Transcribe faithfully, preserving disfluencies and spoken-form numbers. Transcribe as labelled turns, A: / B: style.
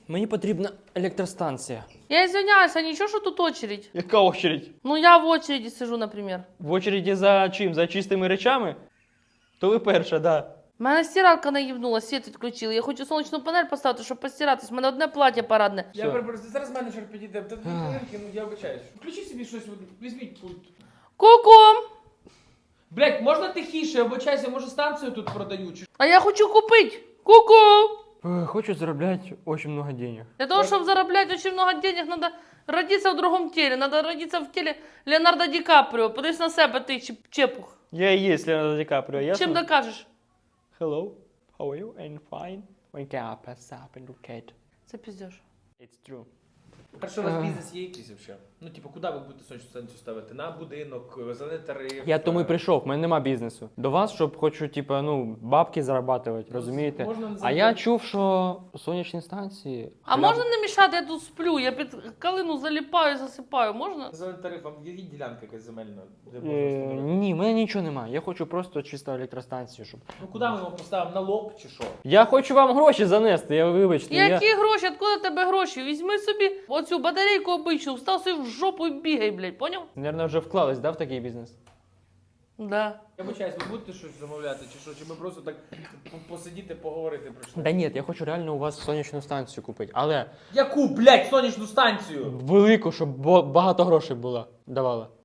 A: Мені потрібна електростанція.
B: Я извиняюсь, а ничего, что тут очередь?
A: Яка очередь?
B: Ну я в очереди сижу, например.
A: В очереді за чим? За чистими речами? То ви перша, да.
B: Мене стиралка наїбнула, світ відключили. Я хочу сонячну панель поставити, щоб постиратись. У мене одне плаття парадне.
C: Я
A: Все.
C: перепрошую, зараз менеджер підійде. Та дві хвилинки, ну я вибачаюсь. Включи собі щось, от, візьміть пульт.
B: Ку-ку!
C: Блять, можна тихіше, обичайся, може станцію тут продають.
B: А я хочу купити. Ку-ку!
A: Е, Хочу заробляти дуже багато денег.
B: Для того, чтобы заработать очень много денег, надо родиться в другом теле. Надо родиться в теле Леонардо Ди Каприо. Подивись на себе, ти чеп- чепух.
A: Я і є Леонардо Ді Капріо, ясно?
B: Чим докажеш?
A: Hello, how are you? I'm fine. Wake up, pass up and look at.
B: Це піздєш.
A: It's true.
C: Перше, у вас бізнес є якийсь взагалі? Ну, типу, куди ви будете сонячну станцію ставити? На будинок, зелений тариф?
A: Я тому і прийшов, в мене нема бізнесу. До вас, щоб хочу, типа, ну, бабки зарабатувати, розумієте?
C: Можна не
A: А я чув, що сонячні станції...
B: А
A: Гля-
B: можна не мішати, я тут сплю, я під калину заліпаю, засипаю, можна?
C: Зелений тариф, вам є ділянка якась земельна? Де можна
A: Е,
C: встановити?
A: ні, в мене нічого немає. Я хочу просто чисто електростанцію, щоб...
C: Ну, куди ми його поставимо? На лоб чи що?
A: Я хочу вам гроші занести, я вибачте.
B: Які
A: Я...
B: гроші? Откуда в тебе гроші? Візьми собі оцю батарейку обичну, встав собі в жопу і бігай, блядь, поняв?
A: Наверное, вже вклались, да, в такий бізнес?
B: Да.
C: Я вибачаюсь, ви будете щось замовляти чи що? Чи ми просто так по- посидіти, поговорити про що?
A: Да ні, я хочу реально у вас сонячну станцію купити, але
C: Яку, блядь, сонячну станцію?
A: велику, щоб бо- багато грошей було, давала.